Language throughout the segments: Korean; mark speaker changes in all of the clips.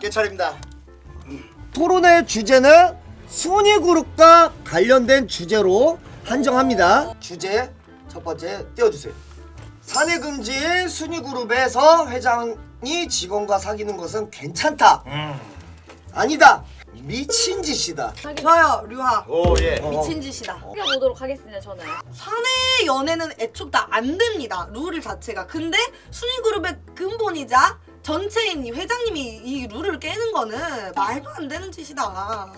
Speaker 1: 깨차립니다.
Speaker 2: 토론의 주제는 순위 그룹과 관련된 주제로 한정합니다. 주제 첫 번째 띄워주세요. 사내 금지인 순위 그룹에서 회장이 직원과 사귀는 것은 괜찮다. 아니다. 미친 짓이다.
Speaker 3: 저요 류하.
Speaker 1: 오 예.
Speaker 3: 미친 짓이다.
Speaker 4: 보도록 하겠습니다. 저는
Speaker 3: 사내 연애는 애초에 다 안 됩니다. 룰 자체가. 근데 순위 그룹의 근본이자 전체인 이 회장님이 이 룰을 깨는 거는 말도 안 되는 짓이다.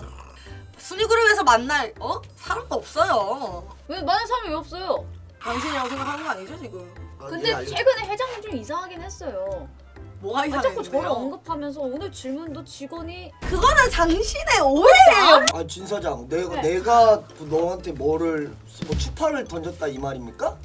Speaker 3: 순위 그룹에서 만날 사람도 없어요.
Speaker 4: 왜 많은 사람이 왜 없어요?
Speaker 3: 당신이라고 생각하는 거 아니죠 지금?
Speaker 4: 근데 최근에 회장님 좀 이상하긴 했어요.
Speaker 3: 뭐가
Speaker 4: 왜 자꾸 저를
Speaker 3: 이상했는데요?
Speaker 4: 언급하면서 오늘 질문도 직원이
Speaker 3: 그거는 당신의 오해예요.
Speaker 2: 아, 진 사장, 내가
Speaker 4: 네.
Speaker 2: 내가 너한테 뭐 추파를 던졌다 이 말입니까?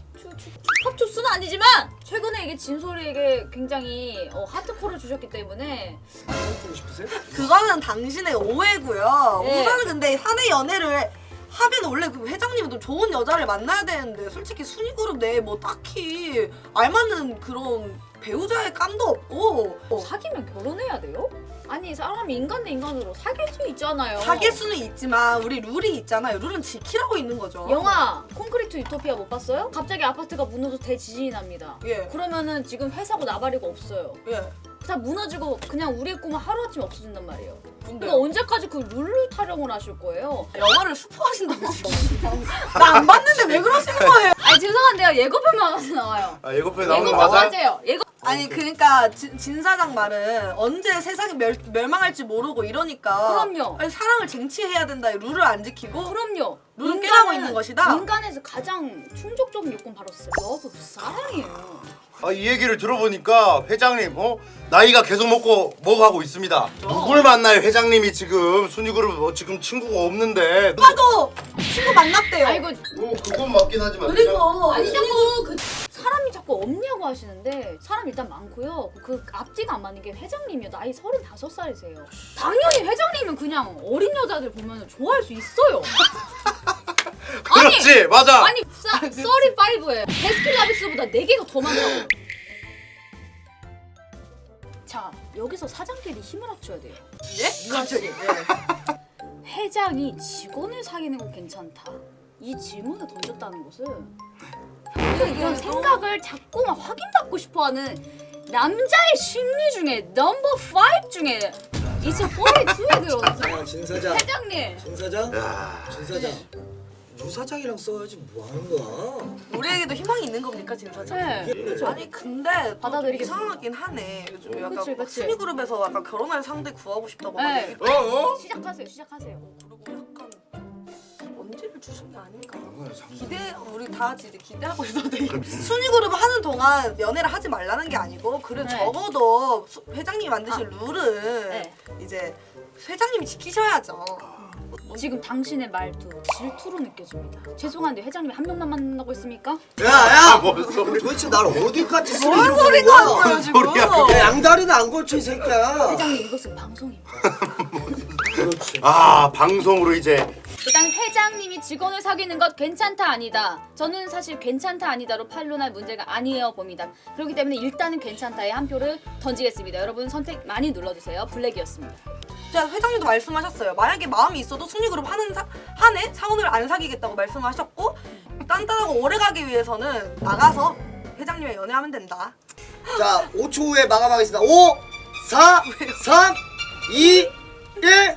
Speaker 4: 팝초스는 아니지만 최근에 이게 진솔이에게 굉장히 하트코를 주셨기 때문에
Speaker 2: 보고 싶으세요?
Speaker 3: 그거는 당신의 오해고요.
Speaker 4: 네.
Speaker 3: 우선은 근데 사내 연애를 하면 원래 그 회장님은 또 좋은 여자를 만나야 되는데 솔직히 순위 그룹 내에 뭐 딱히 알맞는 그런 배우자의 감도 없고
Speaker 4: 사귀면 결혼해야 돼요? 아니 사람이 인간 대 인간으로 사귈 수 있잖아요.
Speaker 3: 사귈 수는 있지만 우리 룰이 있잖아요. 룰은 지키라고 있는 거죠.
Speaker 4: 영화 콘크리트 유토피아 못 봤어요? 갑자기 아파트가 무너져 대지진이 납니다.
Speaker 3: 예.
Speaker 4: 그러면은 지금 회사고 나발이고 없어요.
Speaker 3: 예.
Speaker 4: 다 무너지고 그냥 우리의 꿈은 하루아침에 없어진단 말이에요.
Speaker 3: 근데
Speaker 4: 그러니까 언제까지 그 룰을 타령을 하실 거예요?
Speaker 3: 영화를 스포하신다고 지금. 나 안 봤는데 왜 그러시는 거예요?
Speaker 4: 아니 죄송한데요. 예고편만 가서 나와요.
Speaker 1: 아 예고편에 나오는 거
Speaker 4: 예고편
Speaker 1: 맞아?
Speaker 4: 맞아요. 예고
Speaker 3: 아니 그러니까 진 사장 말은 언제 세상이 멸망할지 모르고 이러니까
Speaker 4: 그럼요.
Speaker 3: 아니, 사랑을 쟁취해야 된다. 룰을 안 지키고
Speaker 4: 그럼요.
Speaker 3: 룰은 깨라고 있는 것이다.
Speaker 4: 인간에서 가장 충족적인 요건 바로 러브, 사랑이에요.
Speaker 1: 아, 이 얘기를 들어보니까 회장님 나이가 계속 먹어가고 있습니다. 누굴 만나요 회장님이 지금 순위그룹 지금 친구가 없는데.
Speaker 3: 오빠도 친구 만났대요.
Speaker 4: 아이고
Speaker 1: 그건 맞긴 하지만.
Speaker 3: 그리고
Speaker 4: 아니 자꾸 사람이 자꾸 없냐고 하시는데 사람 일단 많고요. 그 앞뒤가 안 맞는 게 회장님이요. 나이 35살이세요. 당연히 회장님은 그냥 어린 여자들 보면 좋아할 수 있어요.
Speaker 1: 그렇지 맞아.
Speaker 4: 아니 35예요. 베스킨라빈스보다 4개가 더 많다고. 자 여기서 사장끼리 힘을 합쳐야 돼요.
Speaker 3: 예? 갑자기.
Speaker 4: 회장이 직원을 사귀는 건 괜찮다. 이 질문을 던졌다는 것은 이런 생각을 자꾸만 확인받고 싶어하는 남자의 심리 중에 넘버 5 중에 이제 42에 들어왔어요.
Speaker 2: 야, 진 사장.
Speaker 4: 회장님.
Speaker 2: 진 사장.
Speaker 1: 야.
Speaker 2: 진 사장. 유 사장이랑 써야지 뭐 하는 거야?
Speaker 3: 우리에게도 희망이 있는 겁니까 진 사장?
Speaker 4: 네.
Speaker 3: 아니 근데 또
Speaker 4: 받아들이겠습니다.
Speaker 3: 이상하긴 하네. 요즘 약간
Speaker 4: 그치, 그치.
Speaker 3: 순위 그룹에서 약간 결혼할 상대 구하고 싶다고
Speaker 4: 네.
Speaker 3: 하고
Speaker 4: 시작하세요. 시작하세요.
Speaker 3: 그리고 약간 언제를 주신 게 아닌가. 우리 다 같이 이제 기대하고 있어도 돼. 순위 그룹 하는 동안 연애를 하지 말라는 게 아니고 그래
Speaker 4: 네.
Speaker 3: 적어도 회장님이 만드신 룰은
Speaker 4: 네.
Speaker 3: 이제 회장님이 지키셔야죠.
Speaker 4: 지금 당신의 말투 질투로 느껴집니다. 죄송한데 회장님 한 명만 만나고 있습니까?
Speaker 2: 야야!
Speaker 1: 뭔 소리?
Speaker 2: 도대체 날 어디까지 쓰는
Speaker 3: 뭔 소리가 하는 거예요 지금?
Speaker 1: 소리야,
Speaker 2: 야, 양다리는 안 걸쳐 이 새끼야.
Speaker 4: 회장님 이것은 방송입니다.
Speaker 2: 그렇지.
Speaker 1: 아 방송으로 이제.
Speaker 4: 일단 회장님이 직원을 사귀는 것 괜찮다 아니다. 저는 사실 괜찮다 아니다로 판론할 문제가 아니에요 봅니다. 그렇기 때문에 일단은 괜찮다에 한 표를 던지겠습니다. 여러분 선택 많이 눌러주세요. 블랙이었습니다.
Speaker 3: 진짜 회장님도 말씀하셨어요. 만약에 마음이 있어도 순위 그룹 한 해 사원을 안 사귀겠다고 말씀하셨고 단단하고 오래 가기 위해서는 나가서 회장님과 연애하면 된다.
Speaker 2: 자, 5초 후에 마감하겠습니다. 5, 4, 3, 2, 1.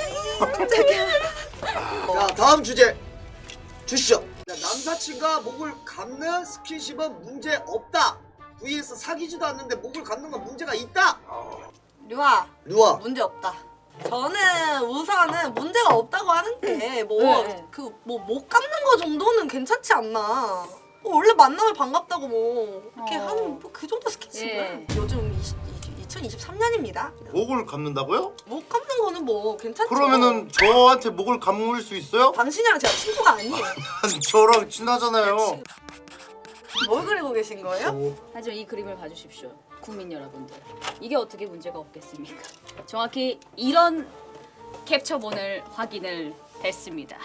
Speaker 2: 자, 다음 주제 주시죠. 남사친과 목을 감는 스킨십은 문제 없다. vs 사귀지도 않는데 목을 감는 건 문제가 있다.
Speaker 3: 류아
Speaker 2: 루아.
Speaker 3: 문제 없다. 저는 우선은 문제가 없다고 하는 게
Speaker 4: 네.
Speaker 3: 뭐 못 감는 거 정도는 괜찮지 않나. 원래 만나면 반갑다고 뭐 이렇게 하는 뭐 그 정도 스킨십은
Speaker 4: 예.
Speaker 3: 요즘 2023년입니다.
Speaker 1: 목을 감는다고요?
Speaker 3: 못 감는 거는 뭐 괜찮죠.
Speaker 1: 그러면은 저한테 목을 감을 수 있어요?
Speaker 3: 당신이랑 제가 친구가 아니에요.
Speaker 1: 아니, 저랑 친하잖아요.
Speaker 3: 뭘 그리고 계신 거예요?
Speaker 4: 하지만 이 그림을 봐주십시오. 국민 여러분들. 이게 어떻게 문제가 없겠습니까? 정확히 이런 캡처본을 확인을 했습니다.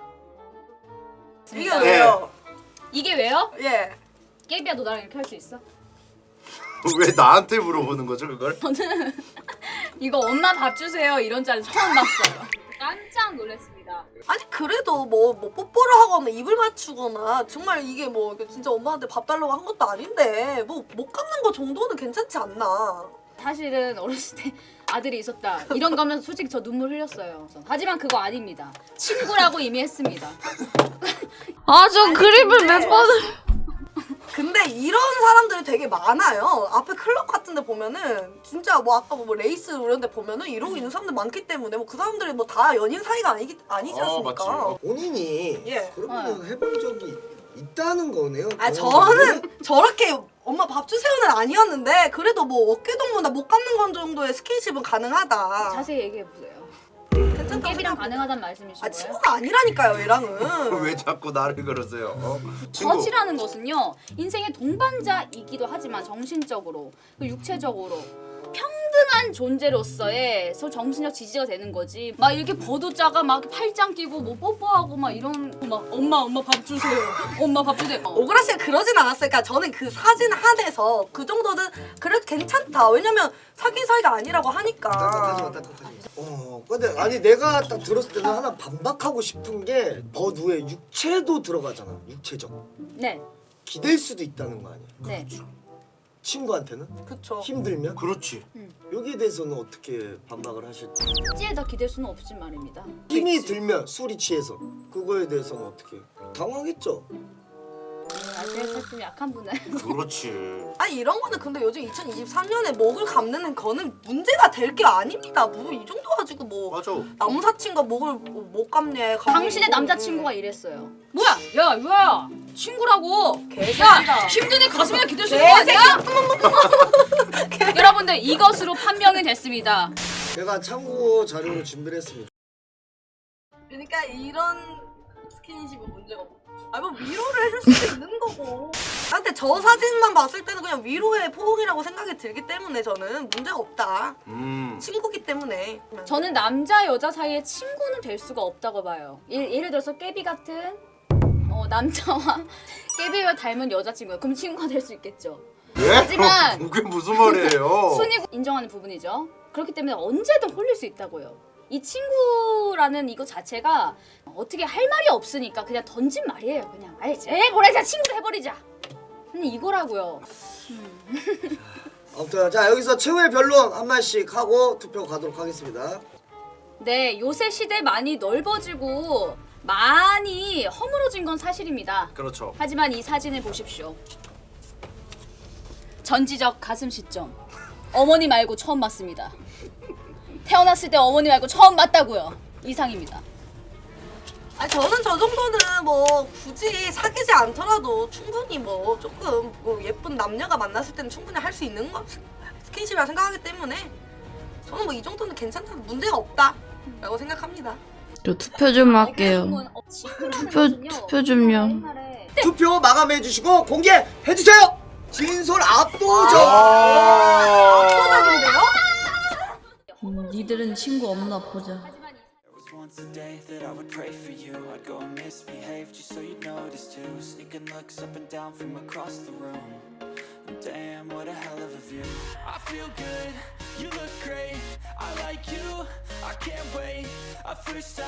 Speaker 3: 이게 왜요?
Speaker 4: 이게 왜요?
Speaker 3: 예.
Speaker 4: 깨비야 너 나랑 이렇게 할 수 있어?
Speaker 1: 왜 나한테 물어보는 거죠 그걸?
Speaker 4: 이거 엄마 밥 주세요 이런 짤 처음 봤어요. 깜짝 놀랐습니다.
Speaker 3: 아니 그래도 뭐 뽀뽀를 하거나 입을 맞추거나 정말 이게 뭐 진짜 엄마한테 밥 달라고 한 것도 아닌데 뭐 못 갚는 거 정도는 괜찮지 않나.
Speaker 4: 사실은 어렸을 때 아들이 있었다 이런 거 하면서 솔직히 저 눈물 흘렸어요. 하지만 그거 아닙니다. 친구라고 이미 했습니다.
Speaker 5: 아, 저 그립을 몇 번을.
Speaker 3: 근데 이런 사람들이 되게 많아요. 앞에 클럽 같은 데 보면은 진짜 뭐 아까 뭐 레이스 이런 데 보면은 이러고 있는 사람들 많기 때문에 뭐 그 사람들이 뭐 다 연인 사이가 아니지 않습니까?
Speaker 1: 맞지.
Speaker 2: 본인이
Speaker 3: 예.
Speaker 2: 그러면 해본 적이 있다는 거네요.
Speaker 3: 아 저는 저렇게 엄마 밥 주세요는 아니었는데 그래도 뭐 어깨 동무나 못 갚는 건 정도의 스킨십은 가능하다.
Speaker 4: 자세히 얘기해 보세요.
Speaker 3: 괜찮다고
Speaker 4: 깨비랑
Speaker 3: 생각-
Speaker 4: 가능하다는 말씀이신
Speaker 3: 아
Speaker 4: 거예요?
Speaker 3: 친구가 아니라니까요 얘랑은.
Speaker 1: 왜 자꾸 나를 그러세요? 친구.
Speaker 4: 거지라는 것은요 인생의 동반자이기도 하지만 정신적으로 그리고 육체적으로 평등한 존재로서의 정신적 지지가 되는 거지. 막 이렇게 버도자가 막 팔짱 끼고 뭐 뽀뽀하고 막 이런 막 엄마 밥 주세요. 엄마 밥 주세요.
Speaker 3: 오그라 씨가 그러진 않았으니까 저는 그 사진 한에서 그 정도는 그래도 괜찮다. 왜냐면 사귄 사이가 아니라고 하니까.
Speaker 2: 딱딱하지 마. 근데 아니 내가 딱 들었을 때는 하나 반박하고 싶은 게 버두에 육체도 들어가잖아. 육체적.
Speaker 4: 네,
Speaker 2: 기댈 수도 있다는 거 아니야?
Speaker 4: 네.
Speaker 2: 친구한테는
Speaker 3: 그쵸.
Speaker 2: 힘들면
Speaker 1: 그렇지.
Speaker 2: 여기에 대해서는 어떻게 반박을 하실지.
Speaker 4: 찌에 더 기댈 수는 없지 말입니다.
Speaker 2: 힘이 들면 술이 취해서 그거에 대해서는 어떻게 당황했죠?
Speaker 4: 아시아 살좀 약한 분은
Speaker 1: 그렇지.
Speaker 3: 아니 이런 거는 근데 요즘 2023년에 목을 감는 거는 문제가 될 게 아닙니다. 뭐 이 정도 가지고 뭐
Speaker 1: 맞아.
Speaker 3: 남사친과 목을 못 감네.
Speaker 4: 당신의 남자친구가 이랬어요. 뭐야? 야, 뭐야? 친구라고.
Speaker 3: 개새끼다.
Speaker 4: 힘든 애 가슴에 기댈 수 있는 거 아니야? 여러분들 이것으로 판명이 됐습니다.
Speaker 2: 제가 참고 자료를 준비를 했습니다.
Speaker 3: 그러니까 이런 스킨십은 문제가 없고. 뭐 위로를 해줄 수도 있는 거고. 근데 저 사진만 봤을 때는 그냥 위로의 포옹이라고 생각이 들기 때문에 저는 문제가 없다. 친구기 때문에.
Speaker 4: 저는 남자 여자 사이에 친구는 될 수가 없다고 봐요. 예를 들어서 깨비 같은 남자와 깨비와 닮은 여자친구야. 그럼 친구가 될 수 있겠죠.
Speaker 1: 예?
Speaker 4: 하지만
Speaker 1: 그게 무슨 말이에요?
Speaker 4: 순위 인정하는 부분이죠. 그렇기 때문에 언제든 홀릴 수 있다고요. 이 친구라는 이거 자체가 어떻게 할 말이 없으니까 그냥 던진 말이에요. 그냥 아예 뭐라 친구로 해버리자. 그냥 이거라고요.
Speaker 2: 아무튼 자 여기서 최후의 변론 한 마디씩 하고 투표 가도록 하겠습니다.
Speaker 4: 네, 요새 시대 많이 넓어지고 많이 허물어진 건 사실입니다.
Speaker 1: 그렇죠.
Speaker 4: 하지만 이 사진을 보십시오. 전지적 가슴 시점. 어머니 말고 처음 봤습니다. 태어났을 때 어머니 말고 처음 봤다고요. 이상입니다.
Speaker 3: 아니 저는 저 정도는 뭐 굳이 사귀지 않더라도 충분히 뭐 조금 뭐 예쁜 남녀가 만났을 때는 충분히 할 수 있는 거 스킨십이라 생각하기 때문에 저는 뭐 이 정도는 괜찮다 문제가 없다라고 생각합니다.
Speaker 5: 저 투표 좀 할게요. 투표 좀요.
Speaker 2: 투표 마감해 주시고 공개해 주세요. 진솔 압도적.
Speaker 3: 압도적인데요?
Speaker 5: 니들은 친구 없나 보자.
Speaker 6: Once a day that I would pray for you. I'd go and misbehave just so you'd notice too. Sneaking looks up and down from across the room. And damn, what a hell of a view. I feel good, you look great. I like you, I can't wait. I first